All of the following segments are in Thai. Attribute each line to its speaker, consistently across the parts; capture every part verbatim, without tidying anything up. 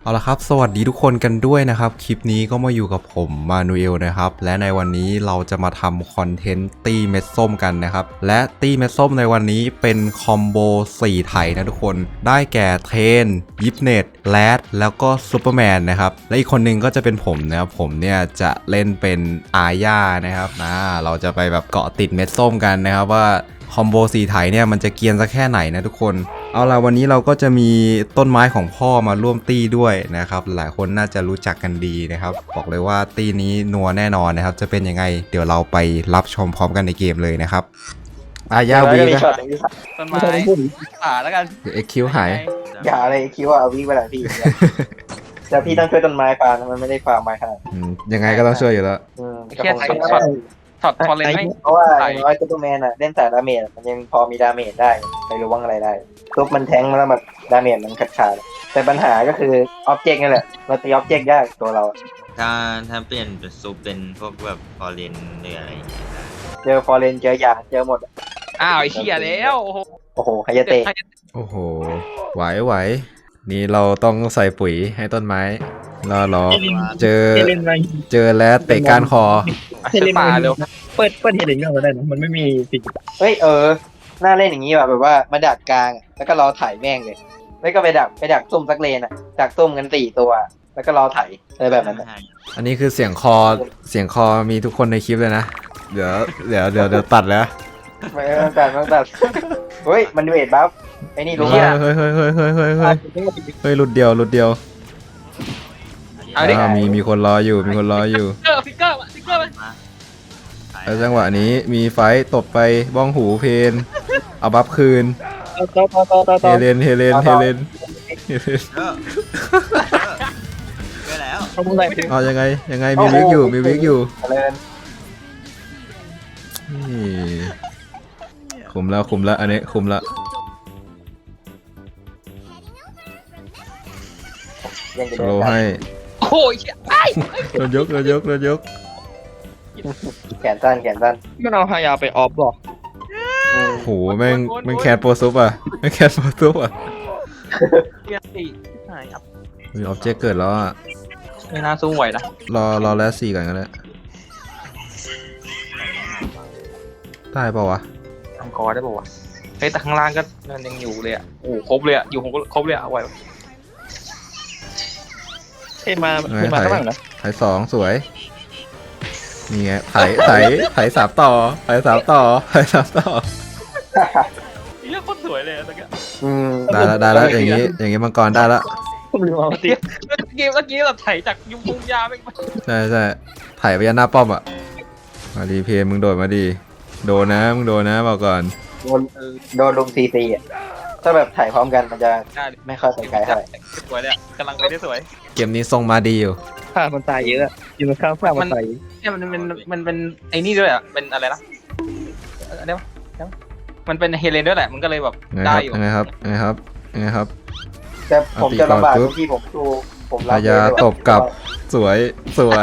Speaker 1: เอาละครับสวัสดีทุกคนกันด้วยนะครับคลิปนี้ก็มาอยู่กับผมมานูเอลนะครับและในวันนี้เราจะมาทำคอนเทนต์ตีเม็ดส้มกันนะครับและตีเม็ดส้มในวันนี้เป็นคอมโบสี่ไถนะทุกคนได้แก่เทนยิปเนตแรดแล้วก็ซูเปอร์แมนนะครับและอีกคนนึงก็จะเป็นผมนะครับผมเนี่ยจะเล่นเป็นอาญานะครับนะเราจะไปแบบเกาะติดเม็ดส้มกันนะครับว่าคอมโบสี่ไถเนี่ยมันจะเกียนสักแค่ไหนนะทุกคนเอาล่ะวันนี้เราก็จะมีต้นไม้ของพ่อมาร่วมตี้ด้วยนะครับหลายคนน่าจะรู้จักกันดีนะครับบอกเลยว่าตี้นี้นัวแน่นอนนะครับจะเป็นยังไงเดี๋ยวเราไปรับชมพร้อมกันในเกมเลยนะครับอาญาวีนะ
Speaker 2: ต้นไม้ป่าแล้วกัน
Speaker 1: เอ็กคิวหาย
Speaker 3: อย่าอะไรคิดว่าเอาวิ่งไปหลายพี่แต่พี่ต้องช่วยต้นไม้ฟาร์มมันไม่ได้ฟาร์มไม้ขนาด
Speaker 1: อืมยังไงก็ต้องช่วยอยู่แล้ว
Speaker 3: อืม
Speaker 2: เครียดช็อตช็อตพอเลนไหม
Speaker 3: เพราะว่าอย่างน้อยซูเปอร์แมนอ่ะเล่นแต่ดาเมจมันยังพอมีดาเมจได้ไม่รู้ว่าอะไรได้ทุบมันแทงแล้วแบบดาเมจมันขาดขาดแต่ปัญหาก็คือออบเจกต์นี่แหละเราตีออบเจกต์ยากตัวเรา
Speaker 4: ถ้าถ้าเปลี่ยนเป็นซูปเป็นพวกแบบฟอร์เรนหรืออะไรอย่างเงี้ยได้
Speaker 3: เจอฟอร์เรนเจอยาเจอหมด
Speaker 2: อ้าวไอ้เหี้ยแล้วโอ้โห
Speaker 3: โอ้โหไฮยาเตะ
Speaker 1: โอ้โหไหวไหวนี่เราต้องใส่ปุ๋ยให้ต้นไม้รอรอเจอเจอแล้วเตะก้านคอ
Speaker 2: เซป่าเร็ว
Speaker 5: เปิดเปิดเฮลิงก็ได้นะมันไม่มีสิ่ง
Speaker 3: เฮ้ยเออน่าเล่นอย่างนี้ว่ะแบบว่ามาดักกลางแล้วก็รอถ่ายแม่งเลยแล้วก็ไปดักไปดักซุ่มสักเลนอ่ะดักซุ่มกันสี่ตัวแล้วก็รอถ่ายอะไรแบบนั้น
Speaker 1: อันนี้คือเสียงคอเสียงคอมีทุกคนในคลิปเลยนะเดี๋ยวเดี๋ยวเดี๋ยวเดี๋ยวตัดแล้ว
Speaker 3: ไม่ต้องตัดไม่ต้องตัดเฮ้ยมันเวทบัฟไอ้นี่รู้
Speaker 1: เฮ้ย
Speaker 3: ป่ะ
Speaker 1: เฮ้ยเฮ้ยเฮ้ยเฮ้ยเฮ้ยเฮ้ยเฮ้ยหลุดเดียวหลุดเดียว
Speaker 2: เอาดิ
Speaker 1: อ่ามีมีคนรออยู่มีคนรออยู่
Speaker 2: เกอร์ฟิกเกอร์ฟิกเกอร์
Speaker 4: มา
Speaker 1: แล้วจังหวะนี้มีไฟต์ตบไปบ้องหูเพนเอาบัฟคืน
Speaker 5: ต่อต่อต่อต่อ
Speaker 1: เฮ
Speaker 5: ต่อ
Speaker 1: เลนเฮเลนเฮเลนเฮเลน
Speaker 4: เออเออแล้ว
Speaker 5: เขาพูดอะไร
Speaker 1: เอายังไงยังไงมีวิกอยู่มีวิกอยู่
Speaker 3: เลย
Speaker 1: นี่คุมแล้วคุมแล้วอันนี้คุมแล้ว
Speaker 3: ยังจะ
Speaker 1: โช
Speaker 3: เดิน
Speaker 1: ว์
Speaker 3: ได้
Speaker 1: ให้
Speaker 2: โอ้ยเหี้ยไอ้
Speaker 1: โดนยกโดนยกโดนยก
Speaker 3: แขนสั้นแขนสั้น
Speaker 5: มันเอาฮายาไปออฟหรอ
Speaker 3: อืม
Speaker 1: โหแม่งแม่งแคทโปรซุปอ่ะแม่งแคทโปรซุปอ่ะ
Speaker 2: เหี้ยสี่หายครับ
Speaker 1: มีออบเจกต์เกิดแล้วอ่ะ
Speaker 2: ไม่น่าสู้ไหวนะ
Speaker 1: รอรอแล้วสี่ก่อนก็ได้ได้เปล่าวะ
Speaker 2: ทำคอได้ป่าวะเฮ้ยแต่ข้างล่างก็มันยังอยู่เลยอ่ะโอ้ครบเลยอ่ะอยู่ครบเลยอ่ะเอาไว้
Speaker 5: เอ้มาเอ้มาข้างหลังนะ
Speaker 1: ถ่ายสองสวยนี่ไงถ่ายถ่ายถ่ายสามต่อถ่ายสามต่อถ่ายสามต่อ
Speaker 2: เหี้ยโคตรสวยเลยตะกี้
Speaker 3: อืม
Speaker 1: ได้แล้วได้แล้วอย่างงี้อย่างงี้มังกรได้แล้ว
Speaker 5: ผมลืมเอาติ
Speaker 2: เมื่อกี้เมื่อกี้แบบไถจากยุงยุงยาไป
Speaker 1: ใช่ใช่ถ่ายไปยันหน้าป้อมอ่ะมาดีเพมึงโดดมาดีโดนนะมึงโดนนะบอกก่อน
Speaker 3: โดนโดนลุมซีซีอ่ะถ้าแบบถ่ายพร้อมกันมันจะ
Speaker 2: ได้
Speaker 3: ไม่ค่อยไปไกลเท่าไหร่
Speaker 2: สวยเลยอ่ะกำลังไปได้สวย
Speaker 1: เกมนี้ทรงมาดีอยู่
Speaker 5: ข้ามันตายเยอะอยู่ข้างข้างมันตาย
Speaker 2: เนี่ยมันมันมันเป็นไอ้นี่ด้วยอ่ะเป็นอะไรนะเดี๋ยวมันเป็นเฮเลนด้วยแหละมันก็เลยแบบ
Speaker 1: ไงค
Speaker 2: ได้
Speaker 1: รับ
Speaker 2: อยู่
Speaker 1: ไงครับไงครับไงครับ
Speaker 3: แต่ผมจะลำบาก
Speaker 1: เอาตีก่อนปุ๊บ
Speaker 3: ตรงที่ผมดูผมรับ
Speaker 1: พายาตบกลับสวยสวย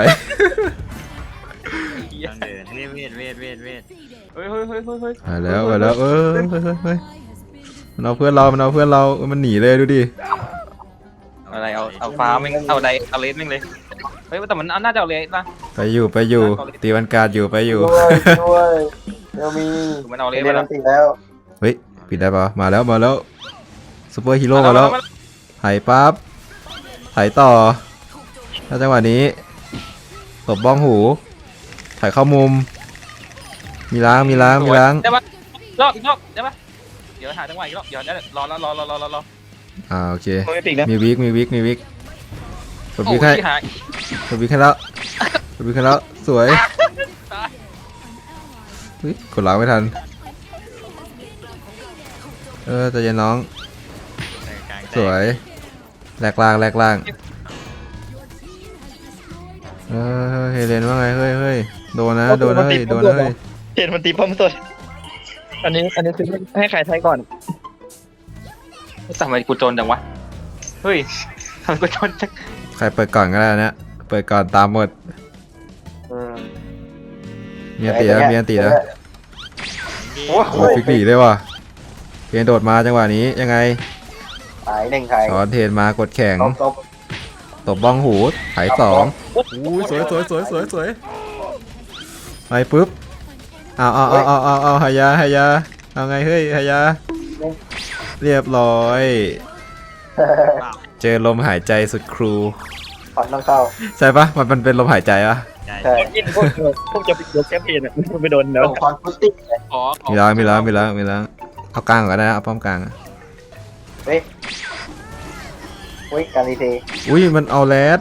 Speaker 4: ต้องเดินเวทเวทเวทเวทเวท
Speaker 2: เฮ้ยเฮ้ยเฮ้ยเฮ้ยเฮ้ย
Speaker 1: มาแล้วมาแล้วเออเฮ้ยเฮ้ยเฮ้ยมันเอาเพื่อนเรามันเอาเพื่อนเรามันหนีเลยดูดิ
Speaker 2: อะไรเอาเอาฟ้าแม่งเอาไดเอาเลสแม่งเลยเฮ้ยแต่มันน่าจะเอาเลสนะ
Speaker 1: ไปอยู่ไปอยู่ตีวันการอยู่ไปอยู่
Speaker 3: ด้วยด้วยเดี๋ยวมี
Speaker 2: มันเอาเล
Speaker 3: เรี
Speaker 2: ส
Speaker 3: ยน
Speaker 2: มา
Speaker 3: อันติแล้ว
Speaker 1: เฮ้ยปิดได้ปะมาแล้วมาแล้วซูเปอร์ฮีโร่มาแล้วไถปั๊บไถต่อถ้าจังหวะนี้ตบบ้องหูถ่ายเข้ามุม มีล้างมีล้างมีล้าง
Speaker 2: ได้ปะรอบอีกรอบได้ปะเดี๋ยวหาจังหวะอีกรอบเดี๋ยวรอรอรอรอรอรอรอ
Speaker 1: อ่าโอเค
Speaker 5: โมติกนะ
Speaker 1: มีวิกมีวิกมีวิกกด
Speaker 2: โอ้
Speaker 1: วิ
Speaker 2: ย
Speaker 1: กให้
Speaker 2: หาย
Speaker 1: กดวิกให้แล้วกดวิกให้แล้วสวย
Speaker 2: ตาย
Speaker 1: เฮ้ยกดล้างไม่ทันเออใจเย็นน้อง
Speaker 4: กลางแตก
Speaker 1: สวยแหลกล่างแหลกล่างเออเฮเลนว่าไงเฮ้ยเฮ้ยโดนนะโดนนะเฮ้ยโดนนะเฮ้ย
Speaker 5: เห็นมันตีป้อมตัวอันนี้อันนี้คือให้ใครใช้ก่อน
Speaker 2: ทำไมกูโจนจังวะเฮ้ยทำไมกูโจนจัง
Speaker 1: ใครเปิดก่อนก็ได้นะเปิดก่อนตามหมด
Speaker 3: อืม
Speaker 1: มีอันตีแล้วมีอันตีแล้ว
Speaker 3: โอ้
Speaker 1: โอ้ฟิกหลีเลยว่ะเพียนโดดมาจังหวะนี้ยังไง
Speaker 3: หายหนึ่งไทย
Speaker 1: สอนเทนมากดแข่ง
Speaker 3: ตบตบ
Speaker 1: ตบบ้องหูไถสองอู้ยสวยสวยสวยสวยสวยไปปุ๊บเอาเอาเอาเอาเอาเอาหายาหายาเอาไงเฮ้ยหายาเรียบร้อย เจอลมหายใจสุดครู
Speaker 3: ขอนต้องเข้า
Speaker 1: ใช่ปะมันมันเป็นลมหายใจปะ
Speaker 4: ใช่
Speaker 3: ใช่
Speaker 5: กินพวกพวกจะไปยกแคมเปญอ่ะมันไปโดนแล้ว
Speaker 3: ส่งคอนฟุตติ้งเลย
Speaker 2: ขอขอ
Speaker 1: มีแล้วมีแล้วมีแล้วมีแล้วเอากลางก่อนนะเอาป้อมกลางอะ
Speaker 3: เฮ้ยเฮ้ยการีเท
Speaker 1: อุ้ยมันเอาแรด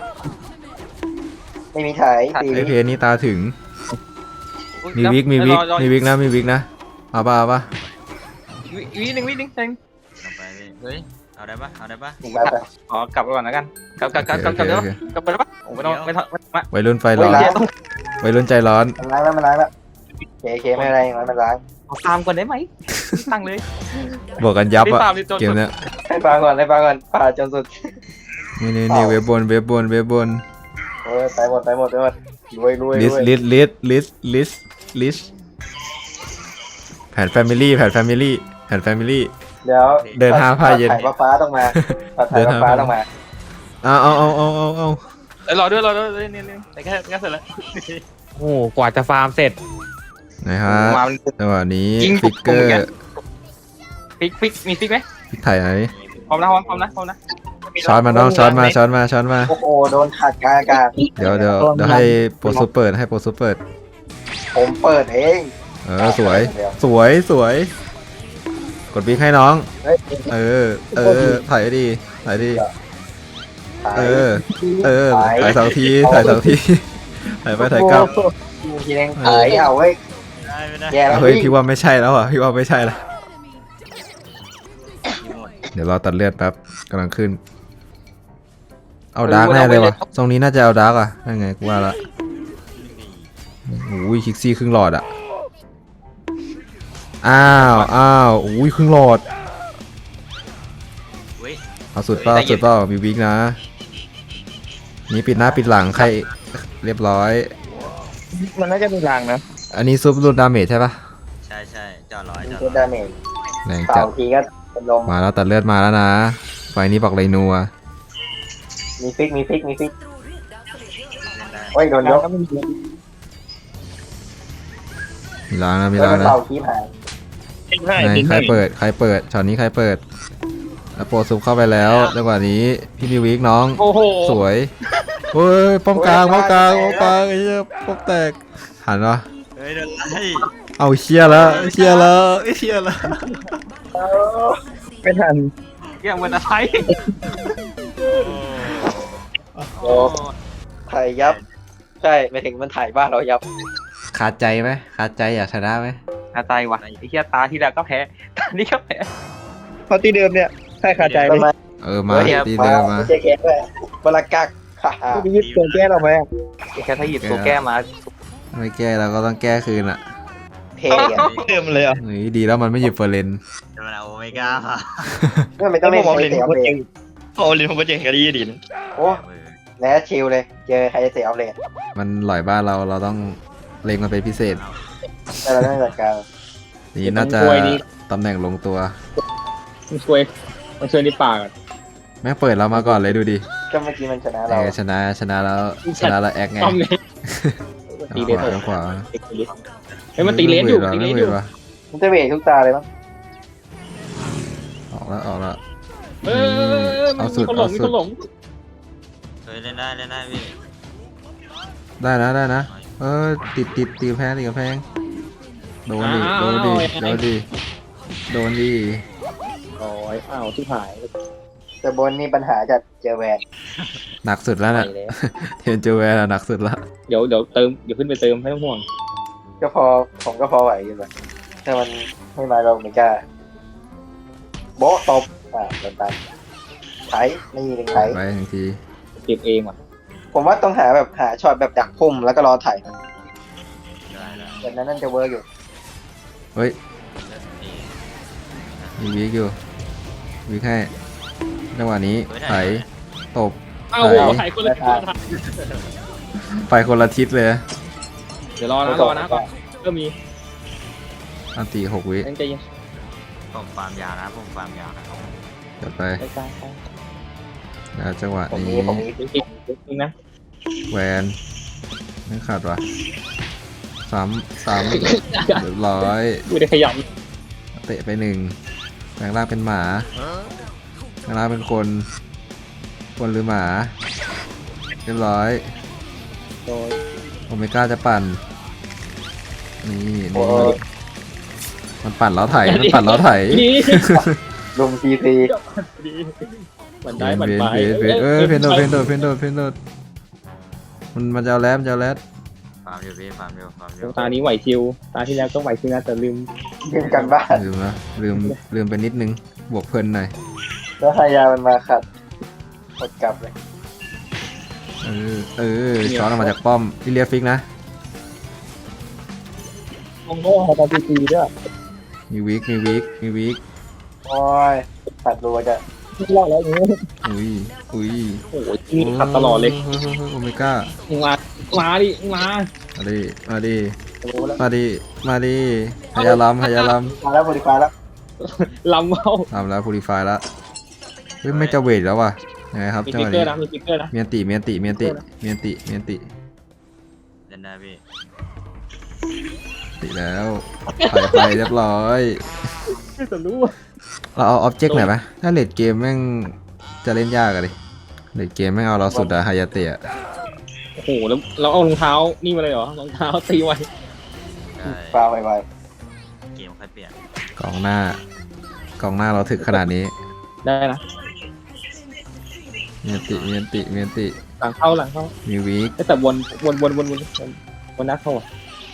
Speaker 3: ไม่มีถ่ายตี
Speaker 1: ไอเพจนี่ตาถึง
Speaker 2: อุ๊ย
Speaker 1: มีวิกมีวิก
Speaker 2: รอรอ
Speaker 1: มีวิกนะมีวิกนะเอาปะเอาปะ
Speaker 2: วิวิหนึ่งวิหนึ่งหนึ่ง
Speaker 4: ลงไปพี่เฮ้ยเอาได้ปะเอาได้ปะ
Speaker 3: อีกแบบ
Speaker 2: ขอกลับไปก่อนแล้วกันกลับกลับกลับกลับกลับเดี๋ยวกลับไปแล้วปะโอ้ไม่ต้องไม่ต้องไม่ต้อง
Speaker 1: วัยรุ่นไฟ
Speaker 3: เฮ้
Speaker 1: ร้
Speaker 3: ย
Speaker 1: อน
Speaker 3: ล้าง
Speaker 1: วัยรุ่นใจร้อน
Speaker 3: มันล้างแล้วมันล้างแล้วเคเคไม่เป็นไรมันมันล้าง
Speaker 2: เอาตามก่อนได้ไหมตั้งเลย
Speaker 1: บวกกันยับ
Speaker 2: รี
Speaker 1: อะ
Speaker 2: ตามรีบจน
Speaker 1: เกมเนี้ย
Speaker 3: ให้ฟังก่อนให้ฟังก่อนผ่าจนสุด
Speaker 1: นี่นี่นี่เว็บบนเว็บบนเว็บบน
Speaker 3: เออไปหมดไปหมดไปหมดรวยรวย
Speaker 1: ลิ
Speaker 3: ร
Speaker 1: ส
Speaker 3: วย
Speaker 1: ลิสลิสลิสลิสลิสแผนแฟมิลี่แผนแฟมิลี่แผนแฟมิลี่
Speaker 3: เดี๋ยว
Speaker 1: เดินห้าผ้าเย็น
Speaker 3: ถ่ายฟ้าต้องมาถ่ายฟ้าต้องมา
Speaker 1: เอาเอาเอาเอาเอาเอา
Speaker 2: เอ้ยรอด้วยรอด้วยเนี่ยเนี่ยแต่แค่แค่เสร็จแล้ว
Speaker 6: โอ้กว่าจะฟาร์มเสร็จ
Speaker 1: นะฮะ
Speaker 2: มาเป็น
Speaker 1: จังหวะนี้
Speaker 2: ยิง
Speaker 1: ฟิกเกอ
Speaker 2: ผมเหมือนกัน
Speaker 1: ร์
Speaker 2: ฟิกฟิกมีฟิกไหม
Speaker 1: ฟิกไถ่ไหน
Speaker 2: พร้อมนะพร้อมพร้อมนะพร้อมนะ
Speaker 1: ช้อนมาน้องช้อนมาช้อนมาช้อนมา
Speaker 3: โอ้โหโดนขาดกลางอากาศ
Speaker 1: เดี๋ยวเดี๋ยวเดี๋ยวให้โปรซูเปิดให้โปรซูเปิด
Speaker 3: ผมเปิดเอง
Speaker 1: เออสวย
Speaker 3: เดี๋ยว
Speaker 1: สวยสวย กดบิ๊กให้น้อง
Speaker 3: เฮ้ย
Speaker 1: เออ เออ ถ่ายดีถ่ายดี
Speaker 3: ถ่าย
Speaker 1: เออ เออ ถ่ายสองที ถ่ายสองที ถ่ายไปถ่ายกลับ
Speaker 3: ทีนึงถ่ายเอาเว้ย
Speaker 4: ได้ไม่ได้
Speaker 3: แย่แล้ว
Speaker 1: เฮ้ย พี่ว่าไม่ใช่แล้วอ่ะ พี่ว่าไม่ใช่ละ
Speaker 4: หมด
Speaker 1: เดี๋ยวรอตัดเลือดแป๊บกำลังขึ้น เอาดาร์กแน่เลยว่ะตรงนี้น่าจะเอาดาร์กอ่ะนั่นไงกูว่าละโอ้ยคิกซี่ครึ่งหลอดอ่ะ อ้าว อ้าวอุ้ยครึ่งหลอด
Speaker 4: เว้ย
Speaker 1: เอาสุดเปล่าสุดเปล่ามีวิกนะ นี่ปิดหน้าปิดหลังใครเรียบร้อย
Speaker 5: มันน่าจะมีรางนะ
Speaker 1: อันนี้ซุปรูดดาเมจใช่ปะ
Speaker 4: ใช่ใช่จอร้อยจอ
Speaker 3: เป็น
Speaker 4: ร้อย
Speaker 3: ดาเมจ
Speaker 1: แรง
Speaker 3: เป่า
Speaker 1: จัด
Speaker 3: ทีก็เป็นลม
Speaker 1: มาแล้วตัดเลือดมาแล้วนะ ไฟนี้บอกเลยนัว
Speaker 3: มีฟิกมีฟิกมีฟิก
Speaker 4: เล่นได้
Speaker 3: โอ้ยโดนยก
Speaker 1: มีล้างนะมี
Speaker 3: แล้ว
Speaker 1: ล้าง
Speaker 3: มัน
Speaker 1: นะ
Speaker 3: เป่าทีผ่าน
Speaker 5: ทิ้งให้
Speaker 1: ไหน
Speaker 5: ทิ้ง
Speaker 1: ใคร
Speaker 5: ให้
Speaker 1: เปิดใครเปิดช็อตนี้ใครเปิดแล้วโปรซุปเข้าไปแล้วจังหวะนี้พี่มีวิกน้อง
Speaker 2: โอ้โห
Speaker 1: สวยเฮ้ยป้อมกลางป้อมกลางป้อมกลางไอ้เหี้ยป้อมแตกหันวะ
Speaker 4: เฮ้ยเดินไล่
Speaker 1: เอาเชียแล้วเชียแล้วเชียแล้ว
Speaker 5: ไม่ทัน
Speaker 2: เกี่ยงเหมือนอะไร
Speaker 3: โอ้ถ่ายยับ ใช่ไม่ถึงมันถ่ายบ้านเรายับ
Speaker 1: ขาดใจไหมขาดใจอยากชนะไหม
Speaker 2: ตาใจว่ะไอ้เหี้ยตาที่แล้วก็แพ้ตานี้ก็แพ้
Speaker 5: เพราะตีเดิมเนี่ยใช่ขาดใจ
Speaker 3: ป
Speaker 5: เล
Speaker 3: ระ
Speaker 5: ย
Speaker 3: มาณ
Speaker 1: เออมา
Speaker 3: เฮ้ย
Speaker 1: ตีเดิมมา
Speaker 3: ไม่ใช่แค่ด้วยบลากักฮ่าฮ่า
Speaker 5: ไม่ได้ยึดตัวแก้เราไหม
Speaker 2: ไอ้แค่ถ้าหยิบตัวแก้มา
Speaker 1: ไม่แก้เราก็ต้องแก้คืนอ่ะ
Speaker 3: เทกัน
Speaker 5: เดิมเลยอ่ะ
Speaker 1: เฮ้ยดีแล้วมันไม่หยิบเฟอร์เรน
Speaker 4: จะมาเอาโอเมก้าค่ะ
Speaker 3: ก็ไม่ต้องเล่น
Speaker 5: ผม
Speaker 3: ไฮ
Speaker 5: เล่น
Speaker 3: เซ
Speaker 5: ผ
Speaker 3: อ
Speaker 5: ม
Speaker 3: อฟ
Speaker 5: ก็
Speaker 3: เล
Speaker 5: เจ
Speaker 3: น
Speaker 5: งโอ้ลินผมก็เจงกับดีดิน
Speaker 3: โอ้แล้วชิลเลยเจอไฮเซอร์ออฟเลน
Speaker 1: มันหล่อยบ้านเราเราต้องเล็งมันเป็นพิเศษ
Speaker 3: แต่เราต้องจัดการ
Speaker 1: นี่น่าจะตำแหน่งลงตัว
Speaker 6: มันช่วยมันช่วยในปาก
Speaker 1: แม่งเปิดเรามาก่อนเลยดูดิ
Speaker 3: ก็เมื่อกี้มันชนะ
Speaker 1: เอ
Speaker 3: เรา
Speaker 1: อชนะชนะแล้วชนะแล้วแอคไง
Speaker 6: ต้อมเลย ตีเล
Speaker 1: ข
Speaker 6: ส
Speaker 1: วาขวา
Speaker 6: เฮ้ยมันตีเลสอยู่ตีเลสอยู่
Speaker 3: มันจะเวททุกตาเลยมั้ง
Speaker 1: ออกแล้วออกแล้ว
Speaker 6: เออ
Speaker 1: เอาสุด
Speaker 6: เขาหล
Speaker 1: เอา
Speaker 6: งมี
Speaker 1: สุด
Speaker 6: เขาหลง
Speaker 4: เฮ้ยเล่นได้เล่นได้พี่
Speaker 1: ได้นะได้นะ เออติดติดตีกำแพงตีกำแพงโดนดิโดนดิโดนดิโดนดิ
Speaker 6: โอ้ยอ้าวที่หาย
Speaker 3: แต่บนนี่ปัญหาจัดเจอแวน
Speaker 1: หนักสุดแล้ว
Speaker 6: ไป
Speaker 1: น่ะ
Speaker 6: แล้ว
Speaker 1: เทนจูแวร์น่ะหนักสุดละ
Speaker 6: เดี๋ยวเดี๋ยวเติมเดี๋ยวขึ้นไปเติมไม่ต้องห่วง
Speaker 3: ก็พอผมก็พอไหวอยู่แบบถ้ามันไม่มาเราไม่กล้าโบ๊ะตบอ่าโดนตันไถนี่หนึ่งไถ
Speaker 1: ไปหนึ่งที
Speaker 6: เก็บเองว่ะ
Speaker 3: ผมว่าต้องหาแบบหาช็อตแบบดักพุ่มแล้วก็รอไถ
Speaker 4: ได้ได้
Speaker 3: แบบนั้นนั่นจะเวิร์กอยู่
Speaker 1: เฮ้ย
Speaker 4: นี่
Speaker 1: มีวิกอยู่วิกให้จังหวะนี้ไถตบ
Speaker 6: อ้าวโหหายคนละทิศ
Speaker 1: ไปคนละทิศเลย
Speaker 6: เดี๋ยวรอนะรอนะก่อนก็มี
Speaker 1: อันตีหกวิ
Speaker 6: ตั้งใจเย็น
Speaker 4: ผมฟาร์มยานะผมฟาร์มยานะ
Speaker 1: จัดไป
Speaker 6: ไปกลาง
Speaker 1: แล้วจังหวะ
Speaker 3: ผมมี
Speaker 1: นี้
Speaker 3: ผมมี
Speaker 6: จริงจริงนะ
Speaker 1: แวนไม่ขาดว่ะสามสามเรียบร้อย
Speaker 6: ไม่ได้ขยับ
Speaker 1: เตะไปหนึ่งแปลงร่างเป็นหมาแปลงร่างเป็นคนคนหรือหมาเรียบร้อย
Speaker 6: โดย
Speaker 1: โอเมก้าจะปั่นนี่
Speaker 3: โอ้
Speaker 1: นี่มันปั่นแล้วไถมันปั่นแล้วไถ
Speaker 6: นี่
Speaker 3: ลุมซีซี
Speaker 6: ดีมัน
Speaker 1: เพ
Speaker 6: ได้
Speaker 1: น
Speaker 6: มัน
Speaker 1: เพน
Speaker 6: ไป
Speaker 1: เพนเพนเออเพนโดดเพนโดดเพนโดดเพนโดดมันมันจะเอาแลมนจะเอาแลม
Speaker 4: ฟาร์มอยู่พี่ฟาร์มอยู่ฟาร์มอยู่
Speaker 6: ตานี้ไหวชิวตาที่แล้วก็ไหวชิวนะแต่ลืม
Speaker 3: ยืมกันบ้าน
Speaker 1: ลืมนะลืมลืมไปนิดนึงบวกเพลินหน่อย
Speaker 3: แล้วฮายามันมาขัดกดกลับเลย
Speaker 1: เออเออช้อนออกมาจากป้อมที่เรียฟิกนะ
Speaker 6: มองโง่ตาตีตีด้วย
Speaker 1: มีวิกมีวิกมีวิก
Speaker 3: โอ้ยขัดรัวจะ
Speaker 6: ไม่รอดแล้วอย่างนี้
Speaker 1: อุ้ยอุ้ย
Speaker 6: โอ้โหนี่ขัดตลอดเลย
Speaker 1: โอเมก้า
Speaker 6: มึงมามาดิมึงมา
Speaker 1: มาดิมาดิ
Speaker 3: รู้แล้ว
Speaker 1: มาดิมาดิพยาลัมพยาลัม
Speaker 3: มาแล้วบริการแล้ว
Speaker 6: ลำเข้า
Speaker 1: ทำแล้วพูริฟายแล้วเฮ้ยไม่จะเวทแล้วว่ะยังไงครับ
Speaker 6: มี
Speaker 1: จัง
Speaker 6: ฟิ
Speaker 1: ห
Speaker 6: ก
Speaker 1: วะ
Speaker 6: เกอ
Speaker 1: นี้
Speaker 6: ร์นะมีฟิกเกอร์นะ
Speaker 1: เมียนติเมียนติเมียนติเมียนติเมียนติ
Speaker 4: เล่นได้พี่
Speaker 1: ติแล้วไปไปเรียบร้อย
Speaker 6: ไม่จะรู้
Speaker 1: เราเอาออบเจกต์หน่อยไหมถ้าเลดเกมแม่งจะเล่นยากอะดิเลดเกมแม่งเอาเราสุดอะฮายาเตะ
Speaker 6: โอ้โหแล้วเราเอารองเท้านี่มาเลยเหรอรองเท้าตีไว้
Speaker 4: ใช่
Speaker 3: ฟาวไว
Speaker 4: เกมค่อยเปลี่ยน
Speaker 1: กองหน้ากองหน้าเราถึกขนาดนี้
Speaker 6: ได้นะ
Speaker 1: เมียนติเมียนติเมียนติ
Speaker 6: หลังเข้าหลังเข้า
Speaker 1: มีวีค
Speaker 6: แต่วนวนวนวนวนวนนักเข้าอ่ะ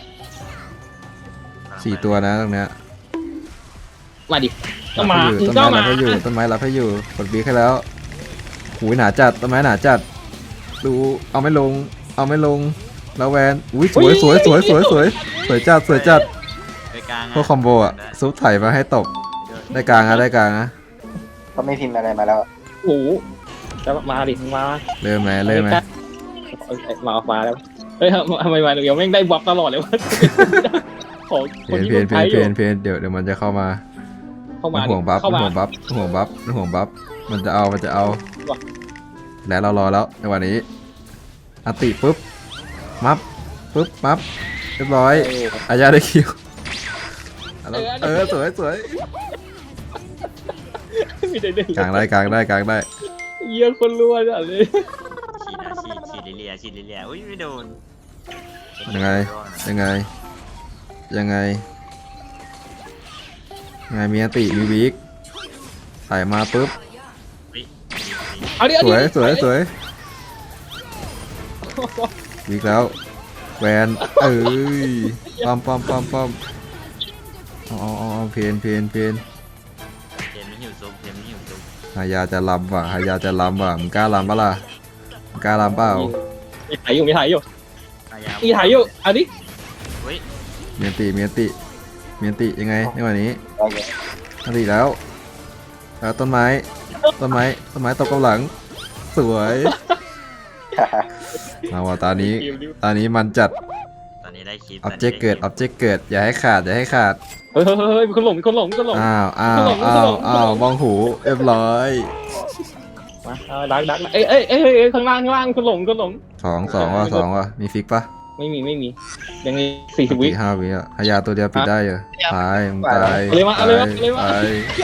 Speaker 1: สี่ตัวนะตรงเนี้ย
Speaker 6: มาดิก็
Speaker 1: รับ
Speaker 6: มา
Speaker 1: ให้อยู่
Speaker 6: มึง
Speaker 1: ต้น
Speaker 6: ก็
Speaker 1: ไม้
Speaker 6: มา
Speaker 1: รับให้อยู่ต้นไม้รับให้อยู่กดวีคให้แล้วหูยหนาจัดต้นไม้หนาจัดดูเอาไม่ลงเอาไม่ลงแล้วแวนอุ้ยสวยสวยสวยสวยสวยสวยจัดสวยจัด
Speaker 4: ไปกลาง
Speaker 1: พวกคอมโบอะซุปไถมาให้ตบได้กลางอะได้กลางอะ
Speaker 3: ๆเขาไม่พิมพ์อะไรมาแล้วอะ
Speaker 6: โอ้โหจะมาดิมา
Speaker 1: เริ่มไหมเริ่มไหม
Speaker 6: มาออกมาแล้วเฮ้ยทำไมมาเดี๋ยวแม่งได้บัฟตลอดเลยวะขอ
Speaker 1: เพ
Speaker 6: คน
Speaker 1: น
Speaker 6: ที่
Speaker 1: เพ
Speaker 6: คน น
Speaker 1: เพ
Speaker 6: ไท
Speaker 1: น
Speaker 6: ยอ
Speaker 1: เพ
Speaker 6: ยู่
Speaker 1: นเพนเดี๋ยวเดี๋ยวมันจะเข้ามา
Speaker 6: เข้ามา
Speaker 1: ห่วงบัฟ
Speaker 6: เข้ามา
Speaker 1: ห่วงบัฟห่วงบัฟห่วงบัฟมันจะเอามันจะเอาแล้วเรารอแล้วในวันนี้อัติปุ๊บมัฟปุ๊บมัฟเรียบร้อยอายาได้คิวเออสวยสวย
Speaker 6: มีแต่เด็ก
Speaker 1: กลางได้กลางได้กลางได้
Speaker 6: เยอะคนรัวจัดเลย
Speaker 4: ฉีดนะฉีดฉีดลิเลียฉีดลิเลียอุ้ยไม่โดน
Speaker 1: ยังไงยังไงยังไงยังไงมีอันติมีวิกถ่ายมาปุ๊บ
Speaker 6: เอาดิ
Speaker 1: ส
Speaker 6: เอาดิ
Speaker 1: วยสวยสวยวิกแล้วแวนเอ้ยป้อมป้อมป้อมป้อมเอาเอาเอาเอาเพนเพนเพน
Speaker 4: เกมไม่หิวซุปเกมไม่หิวซุป
Speaker 1: หายาจะลำว่ะหายาจะลำว่ะมึงกล้าลำปะล่ะมึงกล้าลำเปล่า
Speaker 6: มีถ่ายอยู่มีถ่ายอยู่
Speaker 4: อายา
Speaker 6: มีถ่ายอยู่เอาดิ
Speaker 4: เฮ้ย
Speaker 1: เมียนติเมียนติเมียนติยังไงในวันนี้
Speaker 3: เอาอย่าง
Speaker 1: อันติแล้วแล้วต้นไม้ต้นไม้ต้นไม้ตกกำหลังสวยมาว่าตอนนี้ตอนนี้มันจัด
Speaker 4: ตอนนี้ได้คลิป
Speaker 1: ออบเจกต์เกิดออบเจกต์เกิดอย่าให้ขาดอย่าให้ขาด
Speaker 6: เฮ้ยเฮ้ยเฮ้ยมีคนหลงมีคนหลงมีคนหลง
Speaker 1: อ้าวอ้าวอ้าวอ้าวมองหูเรียบร้อย
Speaker 6: มาเอาดักดักเอ้ยเอ้ยเอ้ยเอ้ยข้างล่างข้างล่างมีคนหลงมีคนหลง
Speaker 1: สองสองว่ะสองว่ะมีฟิกปะ
Speaker 6: ไม่มีไม่มียังมีสี่สิบวิ
Speaker 1: ห้าวิอ่ะหายาตัวเดียวปิดได้เหรอตายมึงตาย
Speaker 6: เอาเลยมาเอาเลยมาเอาเลยมา
Speaker 1: ตาย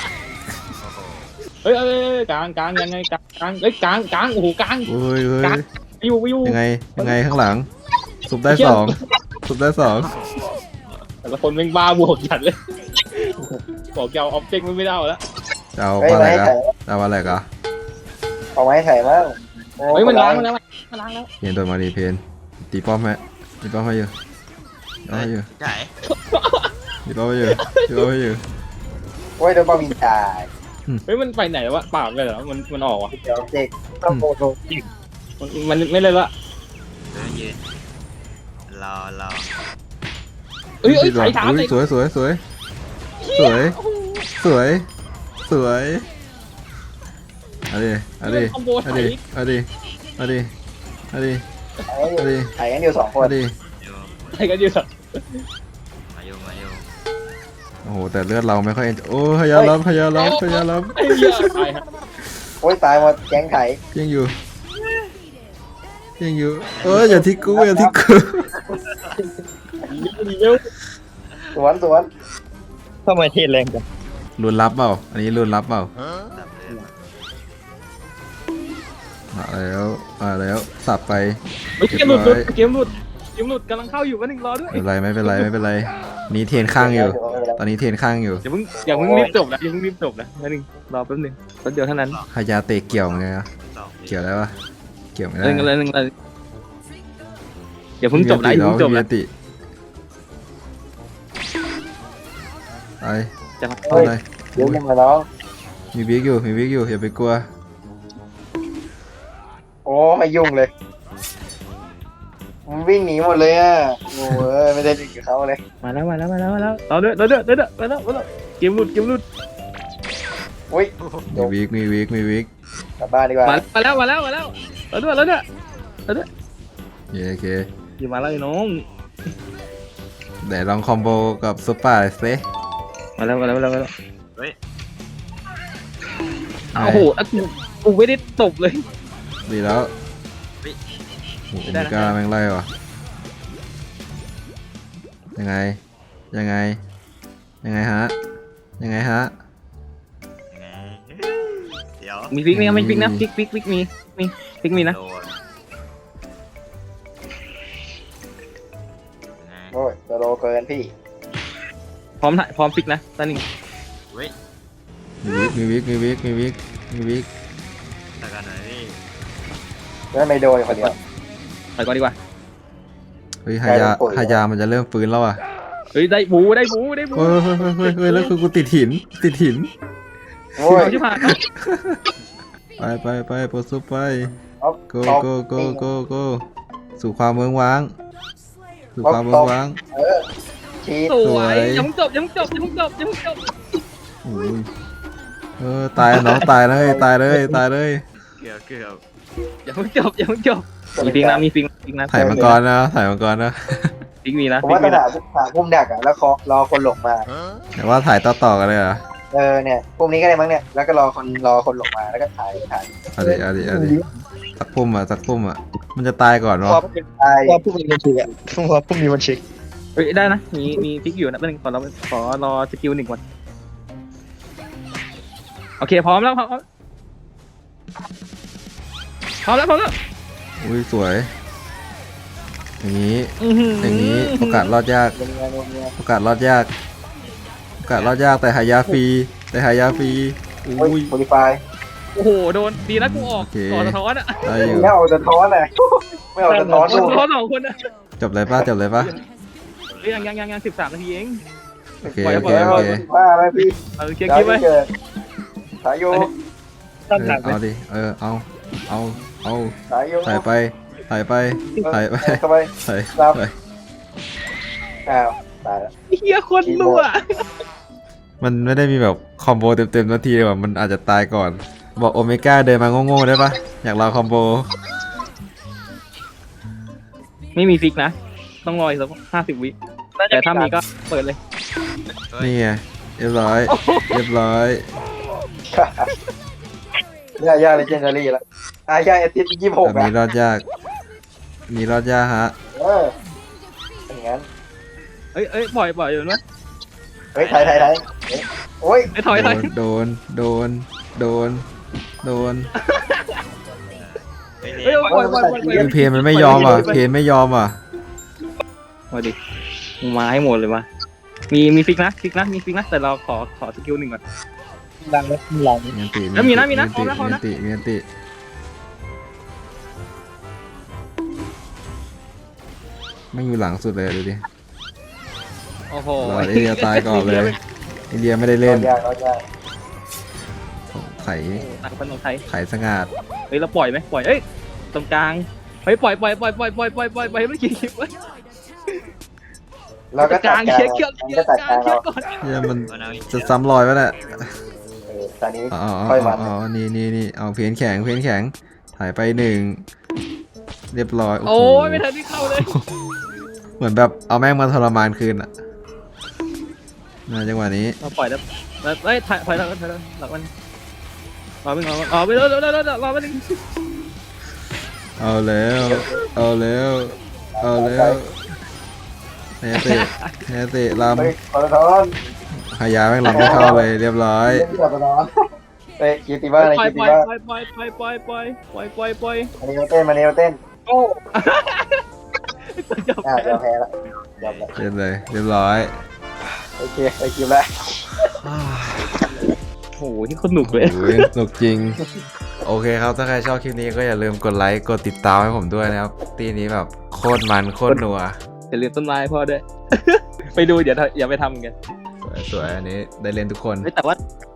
Speaker 6: เฮ้ยเอ้ยเอ้ยกลางกลางยังไงกลางกลางเอ้ยกลางกลางโอ้โหกลาง
Speaker 1: เฮ้ยเฮ้ย
Speaker 6: ไปอยู่ไปอยู่
Speaker 1: ยังไงยังไงข้างหลังสุบได้สองสุบได้สอง
Speaker 6: แต่ละคนแม่งบ้าบวกจัดเลยบอกจะเอาออบเจกต์ไม่ได้แล้ว
Speaker 1: จะเอา
Speaker 3: เฮ้ย
Speaker 1: ปลาอะไร
Speaker 3: ไม่
Speaker 1: กั
Speaker 3: ถ่าย
Speaker 1: จะเอาปลาอะไรกัน
Speaker 3: เอาไว้ถ่ายมั้งโอ้
Speaker 6: เฮ้ยมัน
Speaker 3: ค
Speaker 6: ล้าง
Speaker 3: ร้
Speaker 6: มันแล้วมันล้างแล้ว
Speaker 1: เพนโดนมาดีเพนตีป้อมไหมตีป้อมให้อยู่ตีป้อมให้อยู่
Speaker 4: ใช่
Speaker 1: ตีป้อมให้อยู่ตีป้อมให้อยู่
Speaker 3: โอ้ยโดนบอลวินตาย
Speaker 6: เฮ้ยมันไปไหนวะเปล่าเลยเหรอมันมันออกวะ
Speaker 3: เดี๋ยวเด็กต้องโมโด
Speaker 6: มันมันไม่เลยละ
Speaker 4: เดินยืนรอรอ
Speaker 6: เอ้ยเอ้ยใส่ถาม
Speaker 1: อุ๊
Speaker 6: ใส่
Speaker 1: ยสวยสวยสวยสวยสวยสวยเอาดิเอาดิ
Speaker 6: คอมโบ
Speaker 1: เอา
Speaker 6: ไถ
Speaker 1: ดิเอาดิเอาดิเอาดิ
Speaker 3: ถ่ายกันอยู่ถ่ายกันอยู่สองคน
Speaker 1: เอาดิ
Speaker 4: อยู่
Speaker 6: ใส่กันอยู่สัก
Speaker 4: มาอยู่มาอยู่
Speaker 1: โอ้โหแต่เลือดเราไม่ค่อยโอ้พยายามรับพยายามรับพยายามรับ
Speaker 6: ไอ้เหี้ยตายฮะ
Speaker 3: โคอ้ยตายหมดแก๊งไถ
Speaker 1: ยังอยู่ยังอยู่เอออย่าทิ้งกูอย่าทิ้งกู
Speaker 6: เร็ว
Speaker 3: สวนสวน
Speaker 5: ทำไมเทศแรงจัง
Speaker 1: รุนรับเปล่าอันนี้รุนรับเปล่า
Speaker 4: ตับเลย
Speaker 1: มาแล้วมาแล้วสับไป
Speaker 6: เฮ้ยเกมหลุดหลุดเกมหลุดเกมหลุดกำลังเข้าอยู่วันหนึ่งรอด้วย
Speaker 1: ไม่เป็นไรไม่เป็นไรไม่เป็นไรนี่เทรนข้างอยู่ ตอนนี้เทรนข้างอยู่
Speaker 6: อย่าเพิ่งอย่าเพิ่งรีบจบนะอย่าเพิ่งรีบจบนะวันหนึ่งรอแป๊บหนึงแป๊บเดียวเท่านั้น
Speaker 1: ฮายาเตะเกี่ยวไงนะ
Speaker 4: สอง
Speaker 1: เกี่ยวได้ปะเกี่ยวไม่ได้
Speaker 6: เล่นกันเลยเล่นกันเลยอย่าเพิ่งจบนะอย่าเพิ่งจบ
Speaker 1: มี
Speaker 6: นะ
Speaker 1: อันติไป
Speaker 6: จะมา
Speaker 1: เอาเลย
Speaker 3: เดี๋ยวยังมาน้อง
Speaker 1: มีบิ๊กอยู่มีบิ๊กอยู่อย่าไปกลัว
Speaker 3: โอ้ไม่ยุ่งเลยมันวิ่งหนีหมดเลยอ่ะโอ้ยไม่ได้ดึงกับเขาเลย
Speaker 6: มาแล้วมาแล้วมาแล้วมาแล้วรอด้วยรอด้วยรอด้วยมาแล้วมาแล้วเกมหลุดเกมหลุด
Speaker 3: อุ้ย
Speaker 1: มีบิ๊กมีบิ๊กมีบิ๊ก
Speaker 3: กลับบ้านดีกว่า
Speaker 6: มามาแล้วมาแล้วมาแล้วรอด้วยรอด้วยรอด้วย
Speaker 1: โอเค
Speaker 6: อยู่มาแล้วไอ้น้อง
Speaker 1: เดี๋ยวลองคอมโบกับซุปเปอร์เซ
Speaker 6: มาแล้วมาแล้วมาแล้วมาแล้ว
Speaker 4: เฮ้ย
Speaker 6: โอ้โหอ่ะกูกูไม่ได้ตบเลย
Speaker 1: ดีแล้ว
Speaker 4: เฮ้ย
Speaker 1: โอ้โหมิก้าแม่งไล่ว่ะยังไงยังไงยังไงฮะยังไงฮะ
Speaker 4: ยังไงเดี๋ยว
Speaker 6: มีฟิกนี่มีฟิกนะฟิกฟิกฟิกมีมีฟิกมีนะ
Speaker 4: โดนยังไง
Speaker 3: โอ้ยจะโลเกินพี่
Speaker 6: พร้อมถ่ายพร้อมฟิกนะตอนนี้
Speaker 4: เฮ้ย
Speaker 1: มีวิกมีวิกมีวิกมีวิก
Speaker 4: ตะกันหน่อยพี่
Speaker 3: แล้วไม่โดนคนเดียว
Speaker 6: ไปก่อนดีกว่า
Speaker 1: เฮ้ยฮายา
Speaker 3: ได้แล้ว
Speaker 1: ฮายามันจะเริ่มฟื้นแล้วอ่ะ
Speaker 6: เฮ้ยได้บูได้บูได้บู
Speaker 1: เฮ้ยเฮ้ยเฮ้ยเฮ้ยเฮ้ยแล้วคือกูติดหินติดหิน
Speaker 3: โอ้ย
Speaker 6: เอาชิบหายครับ
Speaker 1: ไปไปไปโปรซุปไป
Speaker 3: เอา
Speaker 1: go
Speaker 3: เอา
Speaker 1: go go
Speaker 3: ปิ้ง
Speaker 1: go go สู่ความเมืองว้างสู่ความเมืองว้าง
Speaker 3: เออชีส
Speaker 6: ส
Speaker 1: ส
Speaker 6: ว
Speaker 1: วย
Speaker 6: ยยังไม่จบยังไม่จบยังไม่จบยังไม่จบ
Speaker 1: โอ้ยเออตายน้องตายเลยตายเลยตายเลย
Speaker 4: เกือบเกือบ
Speaker 6: ยังไม่จบยังไม่จบมีฟิกนะมีฟิกฟิกนะ
Speaker 1: ถ่ายมังกรนะถ่ายมังกรนะ
Speaker 6: ฟิกมีนะ
Speaker 3: ผม
Speaker 6: ฟิก
Speaker 3: ว่าต้
Speaker 6: มี
Speaker 3: อง
Speaker 6: นะ
Speaker 3: หาหาพุ่มดักอ่ะแล้วรอรอคนหลงมา
Speaker 1: แต่ว่าถ่ายต่อต่อๆกันเลยเหรอ่ะ
Speaker 3: เออเนี่ยพุ่มนี้ก็ได้มั้งเนี่ยแล้วก็รอคนรอคนหลงมาแล้วก็ถ่ายถ่าย
Speaker 1: เอาดิเอาดิเอาดิสักพุ่มอ่ะสักพุ่มอ่ะมันจะตายก่อน
Speaker 5: เพ
Speaker 1: วะ
Speaker 5: ราะ
Speaker 3: ถ่าย
Speaker 5: ว่าพวกมีมันเช็คอะเพราะว่าพวกมีมันเช็ค
Speaker 6: เฮ้ยได้นะมีมีฟิกอยู่นะแป๊บนึงขอรอขอรอสกิลหนึ่งก่อนโอเคพร้อมแล้วพร้อมพร้อมแล้วพร้อมแล้ว
Speaker 1: อุ้ยสวย อย่างนี้
Speaker 6: อื้อหื
Speaker 1: อย่างนี้โอกาสรอดยาก
Speaker 3: เงียบเงียบ
Speaker 1: โอกาสรอดยาก โอกาสรอดยากแต่หายาฟรีแต่หายาฟรี
Speaker 3: โอ้
Speaker 1: อุ้
Speaker 3: ย
Speaker 1: ย
Speaker 3: โมดิฟาย
Speaker 6: โอ้โหโดนดีนะกูออก
Speaker 1: โอเค
Speaker 6: ก่อนสะท้อนอ่ะ
Speaker 1: ได้อยู่
Speaker 3: ไม่เอาสะท้อนเลยไม่เอาสะท้อน
Speaker 6: สะ
Speaker 3: ดู
Speaker 6: ท้อนสองคนอ่ะ
Speaker 1: จบเลยป่ะจบเลยป่ะ
Speaker 6: เฮ้ยยังยังยังยังสิบสามนาทีเอง
Speaker 1: โอเค
Speaker 6: ปล่อย
Speaker 1: โอ
Speaker 6: ปล่
Speaker 1: เค
Speaker 6: อย
Speaker 1: โอเค
Speaker 3: ว่าไหมพี่
Speaker 6: เออเคลียร์
Speaker 3: ได้
Speaker 6: คลิปไว้
Speaker 3: เกิดสายโย
Speaker 5: ตั้ง
Speaker 1: เอ
Speaker 5: หลั
Speaker 1: อก
Speaker 5: ไหม
Speaker 1: เอาดิเออเอาเอาเอา
Speaker 3: สายโย
Speaker 1: ถ่ายไปถ่ายไปถ่ายไป
Speaker 3: เข้าไป
Speaker 1: ถ่าย
Speaker 3: รับ
Speaker 1: ไป
Speaker 3: อ้าวตายแล้ว
Speaker 6: เฮียคนรัว
Speaker 1: มันไม่ได้มีแบบคอมโบเต็มๆนาทีเลยว่ะมันอาจจะตายก่อน บอกโอเมก้าเดินมาโง่ๆได้ปะอยากลองคอมโบ
Speaker 6: ไม่มีฟิกนะ ต้องรออีกสักห้าสิบวิแต่ถ้ามีก็เปิดเลย
Speaker 1: นี่ไงเรียบร้อยเรียบร้อย
Speaker 3: ย่าย่าเลเจนดารี่แล้วอ่าย่าเอติสยี่สิบหก
Speaker 1: แบบ
Speaker 3: อ่ะ
Speaker 1: นี้รอดยากมีรอดยากฮะ
Speaker 3: เอออย่างงั้น
Speaker 6: เอ้ยเอ้ยปล่อยปล่อยอยู่นะ
Speaker 3: เฮ้ยถ่ายถ่ายถ่ายโอ้ย
Speaker 6: ไอ้ยถอยถอย
Speaker 1: โดนโดนโดนโดน
Speaker 4: เฮ้ย
Speaker 6: เอ้ย
Speaker 4: เร็ว
Speaker 6: ปล่อยปล่อยปล่อยปล่อย
Speaker 1: คือเพนมันไม่ยอมอ่ะเพนไม่ยอมอ่ะ
Speaker 6: มาดิมึงมาให้หมดเลยมามีมีฟิกนะฟิกนะมีฟิกนะแต่เราขอขอสกิลหนึ่งก่อน
Speaker 5: ดังไหมหลัง
Speaker 1: มีอันติ
Speaker 6: แล้วมีนะมีนะ
Speaker 1: อั
Speaker 6: พร้อมนะพร้อม
Speaker 1: มี
Speaker 6: นะ
Speaker 1: อันติมีอันติไม่อยู่หลังสุดเลยดูดิ
Speaker 6: โอ้โห
Speaker 1: รอไอเดียตายก่อนเลยไอเดียไม่ได้เล่น
Speaker 3: รอดยากรอดยาก
Speaker 1: ไข่
Speaker 6: ต่างคนของไทย
Speaker 1: ไข่สงัด
Speaker 6: เฮ้ยเราปล่อยไหมปล่อยเอ้ยตรงกลางเฮ้ยปล่อยปล่อยปล่อยปล่อยปล่อยปล่อยปล่อยปล่อยไม่กี่คลิปไว้
Speaker 3: เราก็
Speaker 6: ก
Speaker 3: ตัด
Speaker 6: ลาง
Speaker 3: กลาง
Speaker 6: เคลียร์เคลียร์เคลีย
Speaker 3: ก็
Speaker 6: ร์
Speaker 3: ตัด
Speaker 6: ก
Speaker 3: ก
Speaker 6: ลา
Speaker 3: ลาง ง
Speaker 6: เคลีย
Speaker 3: เรา
Speaker 6: ร์ก่อน
Speaker 1: เนี่ยมัน
Speaker 4: เอาเอาอีก
Speaker 1: จะซ้ำรอยวะเนี่ย
Speaker 3: เออตอนนี้
Speaker 1: อ๋ออ๋อ
Speaker 3: ค่อย
Speaker 1: อ๋
Speaker 3: วั
Speaker 1: อน อ๋อนี่นี่นี่เอาเพนแข็งเพนแข็งถ่ายไปหนึ่งเรียบร้อย
Speaker 6: โอ้
Speaker 1: โห
Speaker 6: ยไม่ทันที่เข้าเลย
Speaker 1: เหมือนแบบเอาแม่งมาทรมานคืนอ่ะนะจังหวะนี้
Speaker 6: เราปล่อยแล้วแล้วเอ้ยถอยถอยแล้วถอยแล้วหลังมันรอไปรอไปรอไปรอรอรอรอรอไปหนึ่ง
Speaker 1: เอาแล้วเอาแล้วเอาแล้วแฮเตะแฮเตะล
Speaker 3: เฮ้ยปตทอน
Speaker 1: ำหายาแม่งลำไม่เข้าเลยเรียบร้อย
Speaker 3: เล่นที่ปตทอนเฮ้ยคิวติบ้าอะไร
Speaker 6: ปล่อย
Speaker 3: คิว
Speaker 6: ป
Speaker 3: ติ
Speaker 6: ล่อย
Speaker 3: บ้า
Speaker 6: ปล่อยปล่อยปล่อยปล่อยปล่อยปล่อยปล่อยปล่อย
Speaker 3: มาเนวเต้นมาเนวเต้น
Speaker 6: โอ้
Speaker 3: อ่ายอมแพ้ละยอมละ
Speaker 1: เรียบเลยเรียบร้อย
Speaker 3: โอเคไอคิวละ
Speaker 6: โหที่คนหนุกเลย
Speaker 1: โอ้ยสนุกจริง โอเคครับ ถ้าใครชอบคลิปนี้ก็อย่าลืมกดไลค์ กดติดตามให้ผมด้วยนะครับ ตีนี้แบบโคตรมัน โคตรนัว
Speaker 6: อย่าลืมต้นไม้พ่อด้วย ไปดูเดี๋ยวอย่าไปทำกัน
Speaker 1: สวยๆอันนี้ได้เล่นทุกคน
Speaker 6: เฮ้ยแต่ว่า